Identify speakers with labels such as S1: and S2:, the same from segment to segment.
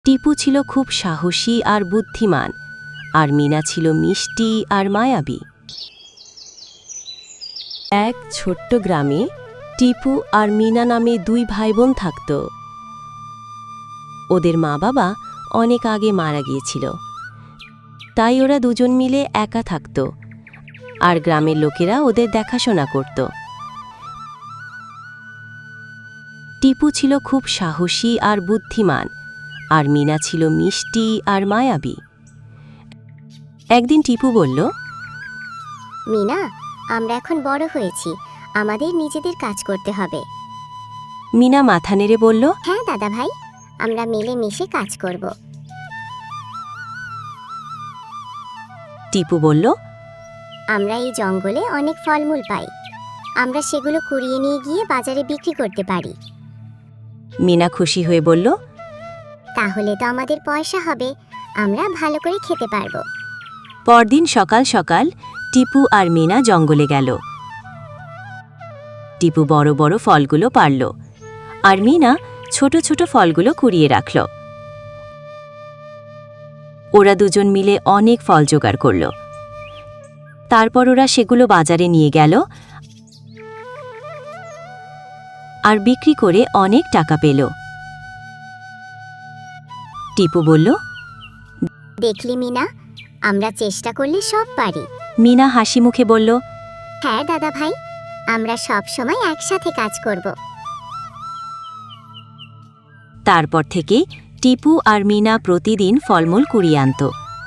S1: টিপু ছিল খুব সাহসী আর বুদ্ধিমান, আর মিনা ছিল মিষ্টি আর মায়াবী। এক ছোট্ট গ্রামে টিপু আর মিনা নামে দুই ভাইবোন থাকত। ওদের মা বাবা অনেক আগে মারা গিয়েছিল, তাই ওরা দুজন মিলে একা থাকত, আর গ্রামের লোকেরা ওদের দেখাশোনা করত। টিপু ছিল খুব সাহসী আর বুদ্ধিমান, আর মিনা ছিল মিষ্টি আর মায়াবী। একদিন টিপু বলল,
S2: মিনা, আমরা এখন বড় হয়েছি, আমাদের নিজেদের কাজ করতে হবে।
S1: মিনা মাথা নেড়ে বলল,
S2: হ্যাঁ দাদা ভাই, আমরা মিলেমিশে কাজ করব।
S1: টিপু বলল,
S2: আমরা এই জঙ্গলে অনেক ফলমূল পাই, আমরা সেগুলো কুড়িয়ে নিয়ে গিয়ে বাজারে বিক্রি করতে পারি।
S1: মিনা খুশি হয়ে বলল,
S2: তাহলে তো আমাদের পয়সা হবে, আমরা ভালো করে খেতে পারবো।
S1: পরদিন সকাল সকাল টিপু আর মিনা জঙ্গলে গেল। টিপু বড় বড় ফলগুলো পারল, আর মিনা ছোট ছোট ফলগুলো কুড়িয়ে রাখল। ওরা দুজন মিলে অনেক ফল জোগাড় করল। তারপর ওরা সেগুলো বাজারে নিয়ে গেল আর বিক্রি করে অনেক টাকা পেল। টিপু বলল,
S2: দেখলি মিনা, আমরা চেষ্টা করলে সব পারি।
S1: মিনা হাসি মুখে বলল,
S2: হ্যাঁ দাদা ভাই, আমরা সব সময় একসাথে কাজ করব।
S1: তারপর থেকে টিপু আর মিনা প্রতিদিন ফলমূল কুড়িয়ে আনত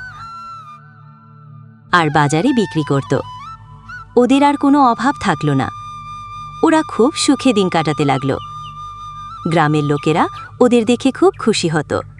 S1: আর বাজারে বিক্রি করত। ওদের আর কোনো অভাব থাকল না। ওরা খুব সুখে দিন কাটাতে লাগল। গ্রামের লোকেরা ওদের দেখে খুব খুশি হতো।